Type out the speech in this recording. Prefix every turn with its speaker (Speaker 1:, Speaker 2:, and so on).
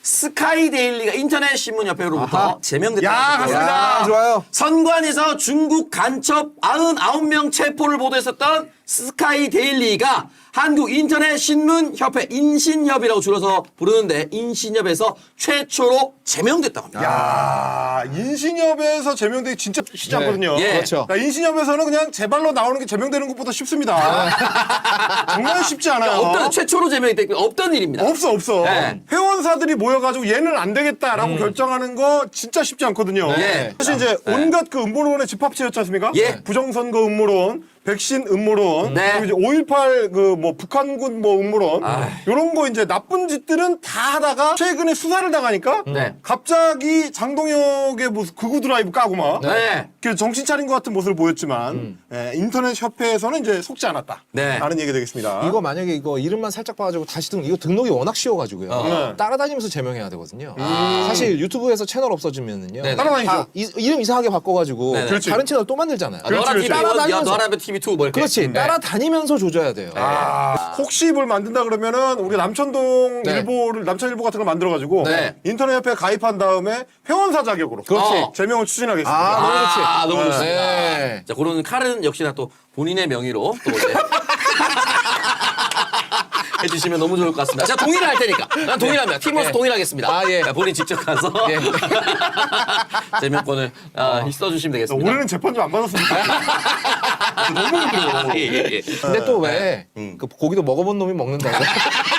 Speaker 1: 스카이데일리가 인터넷 신문협회로부터 제명됐다.
Speaker 2: 야, 갔습니다.
Speaker 3: 야, 좋아요.
Speaker 1: 선관에서 중국 간첩 99명 체포를 보도했었던 스카이데일리가 한국 인터넷 신문 협회 인신협이라고 줄여서 부르는데 인신협에서 최초로 제명됐다고 합니다.
Speaker 2: 야, 인신협에서 제명되기 진짜 쉽지 않거든요.
Speaker 1: 예.
Speaker 3: 그렇죠.
Speaker 2: 그러니까 인신협에서는 그냥 제 발로 나오는 게 제명되는 것보다 쉽습니다. 정말 쉽지 않아요.
Speaker 1: 없던 최초로 제명이 됐고 없던 일입니다.
Speaker 2: 없어.
Speaker 1: 네.
Speaker 2: 회원사들이 모여가지고 얘는 안 되겠다라고 결정하는 거 진짜 쉽지 않거든요.
Speaker 1: 네.
Speaker 2: 사실 이제 온갖 그 음모론의 집합체였지 않습니까?
Speaker 1: 예.
Speaker 2: 부정선거 음모론, 백신 음모론,
Speaker 1: 네.
Speaker 2: 그리고 이제 5.18 그 뭐 북한군 뭐 음모론, 이런 거 이제 나쁜 짓들은 다 하다가 최근에 수사를 당하니까
Speaker 1: 네.
Speaker 2: 갑자기 장동혁의 무슨 극우 드라이브 까고 막
Speaker 1: 네.
Speaker 2: 그 정신 차린 것 같은 모습을 보였지만 인터넷 협회에서는 이제 속지 않았다.
Speaker 1: 네.
Speaker 2: 라는 얘기 되겠습니다.
Speaker 3: 이거 만약에 이거 이름만 살짝 봐가지고 다시 이거 등록이 워낙 쉬워가지고요.
Speaker 2: 네.
Speaker 3: 따라다니면서 제명해야 되거든요. 사실 유튜브에서 채널 없어지면은요.
Speaker 1: 네네.
Speaker 2: 따라다니죠.
Speaker 3: 다 이름 이상하게 바꿔가지고
Speaker 1: 네네.
Speaker 2: 그렇지.
Speaker 3: 다른 채널 또 만들잖아요.
Speaker 2: 그렇지,
Speaker 1: 너라
Speaker 2: 그렇지.
Speaker 1: TV 1,
Speaker 3: 따라다니면서.
Speaker 1: 너라 TV 2 뭐 이렇게.
Speaker 3: 그렇지.
Speaker 1: 네.
Speaker 3: 따라다니면서 조져야 돼요.
Speaker 2: 혹시 뭘 만든다 그러면은 우리 남천동
Speaker 1: 네.
Speaker 2: 일보를 남천일보 같은 걸 만들어가지고
Speaker 1: 네.
Speaker 2: 인터넷 협회에 가입한 다음에 회원사 자격으로
Speaker 1: 그렇지.
Speaker 2: 제명을 추진하겠습니다.
Speaker 3: 너무 좋지.
Speaker 1: 너무 좋습니다.
Speaker 3: 네.
Speaker 1: 자, 그런 칼은 역시나 또 본인의 명의로 또 이제 해주시면 너무 좋을 것 같습니다. 제가 동의를 할 테니까. 난 동의합니다. 팀워스 동의하겠습니다.
Speaker 3: 예.
Speaker 1: 자, 본인 직접 가서
Speaker 3: 예.
Speaker 1: 제명권을 써주시면 되겠습니다.
Speaker 2: 올해는 재판 좀 안 받았습니까? 너무 힘들어.
Speaker 1: 예.
Speaker 3: 근데 또 왜 그 고기도 먹어본 놈이 먹는다고?